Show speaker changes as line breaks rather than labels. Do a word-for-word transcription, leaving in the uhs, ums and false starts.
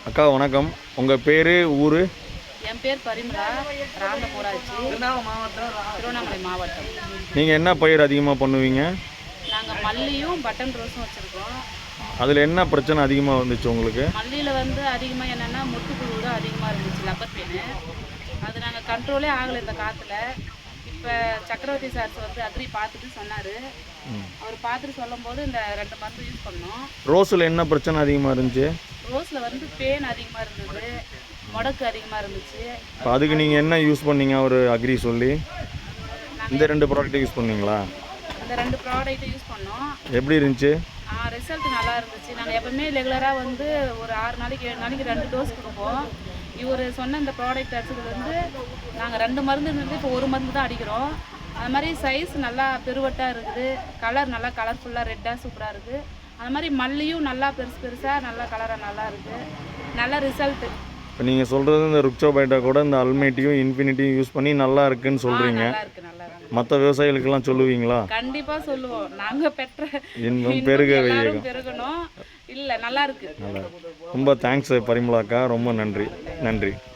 அக்கா வணக்கம். உங்கள் பேர் ஊர்?
என் பேர் பரிமளா, ராமபுராட்சி, திருவண்ணாமலை மாவட்டம்.
நீங்கள் என்ன பயிர் அதிகமாக பண்ணுவீங்க?
நாங்கள் மல்லியும் பட்டன் ரோஸும் வச்சுருக்கோம்.
அதில் என்ன பிரச்சனை அதிகமாக வந்துச்சு உங்களுக்கு?
மல்லியில் வந்து அதிகமாக என்னென்னா முட்டுப்புழு தான் அதிகமாக இருந்துச்சு, லப்பர் பெயின். அது நாங்கள் கண்ட்ரோலே ஆகலை இந்த காற்றுல. இப்போ சக்கரவர்த்தி சார் வந்து அக்ரி பார்த்துட்டு சொன்னார். அவர் பார்த்துட்டு சொல்லும் போது இந்த ரெண்டு மருந்து யூஸ் பண்ணோம்.
ரோஸில் என்ன பிரச்சனை அதிகமாக இருந்துச்சு?
ரோஸில் வந்து பேன் அதிகமாக இருந்தது, முடக்கு அதிகமாக இருந்துச்சு.
இப்போ அதுக்கு நீங்கள் என்ன யூஸ் பண்ணீங்க? அவர் அக்ரி சொல்லி இந்த ரெண்டு ப்ராடக்ட்டை யூஸ் பண்ணீங்களா?
இந்த ரெண்டு ப்ராடக்ட்டை யூஸ் பண்ணோம்.
எப்படி இருந்துச்சு?
ரிசல்ட் நல்லா இருந்துச்சு. நாங்கள் எப்போவுமே ரெகுலராக வந்து ஒரு ஆறு நாளைக்கு ஏழு நாளைக்கு ரெண்டு டோஸ் கொடுப்போம். இவர் சொன்ன இந்த ப்ராடக்ட் அடிச்சதுலேருந்து நாங்கள் ரெண்டு மருந்து இருந்தது, இப்போ ஒரு மருந்து தான் அடிக்கிறோம். அது மாதிரி சைஸ் நல்லா பெருவட்டாக இருக்குது, கலர் நல்லா கலர்ஃபுல்லாக ரெட்டாக சூப்பராக இருக்குது. அது மாதிரி மல்லியும் நல்லா பெருசு பெருசாக நல்லா கலராக நல்லா இருக்குது, நல்ல ரிசல்ட்டு.
இப்போ நீங்கள் சொல்கிறது இந்த ருக்சோபைட்டா கூட இந்த அல்மேட்டியும் இன்ஃபினிட்டியும் யூஸ் பண்ணி நல்லா இருக்குன்னு சொல்கிறீங்க.
நல்லா இருக்குது, நல்லா இருக்குது.
மற்ற விவசாயிகளுக்கெல்லாம் சொல்லுவீங்களா?
கண்டிப்பாக சொல்லுவோம். நாங்கள் பெற்ற
இன்னும் பெருக வையகம்
பெருகணும். இல்லை, நல்லா இருக்குது.
நல்லா. ரொம்ப தேங்க்ஸ் பரிமளாக்கா, ரொம்ப நன்றி. நன்றி.